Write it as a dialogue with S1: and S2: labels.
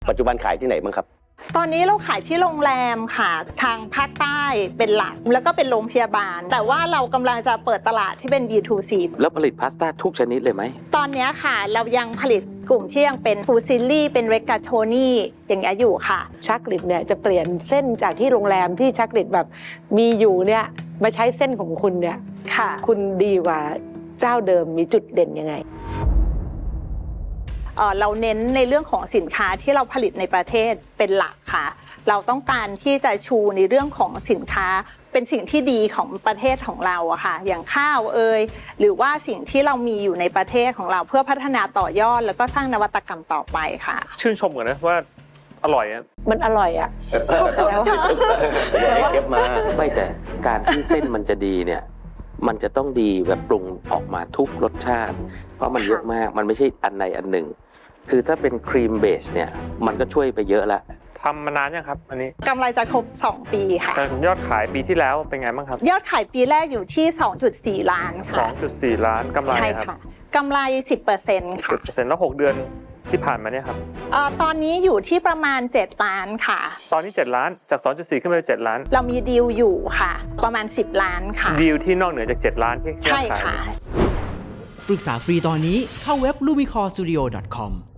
S1: ปัจจุบันขายที่ไหนบ้างครับ
S2: ตอนนี้เราขายที่โรงแรมค่ะทางภาคใต้เป็นหลักแล้วก็เป็นโรงพยาบาลแต่ว่าเรากำลังจะเปิดตลาดที่เป็น B2C
S3: แล้วผลิตพาสต้าทุกชนิดเลยไหม
S2: ตอนนี้ค่ะเรายังผลิตกลุ่มที่ยังเป็นฟูซิลลี่เป็นเรกาโทนี่อย่างเงี้ยอยู่ค่ะ
S4: ชักลิดเนี่ยจะเปลี่ยนเส้นจากที่โรงแรมที่ชักลิดแบบมีอยู่เนี่ยมาใช้เส้นของคุณเนี่ย
S2: ค่ะ
S4: คุณดีกว่าเจ้าเดิมมีจุดเด่นยังไง
S2: เราเน้นในเรื่องของสินค้าที่เราผลิตในประเทศเป็นหลักค่ะเราต้องการที่จะชูในเรื่องของสินค้าเป็นสิ่งที่ดีของประเทศของเราอะค่ะอย่างข้าวหรือว่าสิ่งที่เรามีอยู่ในประเทศของเราเพื่อพัฒนาต่อยอดแล้วก็สร้างนวัตกรรมต่อไปค่ะ
S5: ชื่นชมกันนะว่าอร่อยอ่ะ
S4: มันอร่อยอ่ะ
S1: แล้วเก็บมา
S3: ไม่แต่การที่เส้นมันจะดีเนี่ยมันจะต้องดีแบบปรุงออกมาทุกรสชาติเพราะมันเยอะมากมันไม่ใช่อันใดอันหนึ่งคือถ้าเป็นครีมเบสเนี่ยมันก็ช่วยไปเยอะละ
S5: ทำมานานยังครับอันนี้
S2: กำไรจะครบ2 ปีค่ะ
S5: ยอดขายปีที่แล้วเป็นไงบ้างครับ
S2: ยอดขายปีแรกอยู่ที่ 2.4 ล้านค่ะ
S5: 2.4 ล้านกำไรครับ
S2: กำไร 10% ค่ะ
S5: 10%แล้ว6 เดือนที่ผ่านมาเนี่ยครับ
S2: ตอนนี้อยู่ที่ประมาณ7 ล้านค่ะ
S5: ตอนนี้7 ล้านจาก 2.4 ขึ้นไปเป็น7 ล้าน
S2: เรามีดีลอยู่ค่ะประมาณ10 ล้านค่ะ
S5: ดีลที่นอกเหนือจาก7 ล้านที่
S2: ใช่ค่ะ
S6: ปรึกษาฟรีตอนนี้เข้าเว็บ lumicorestudio.com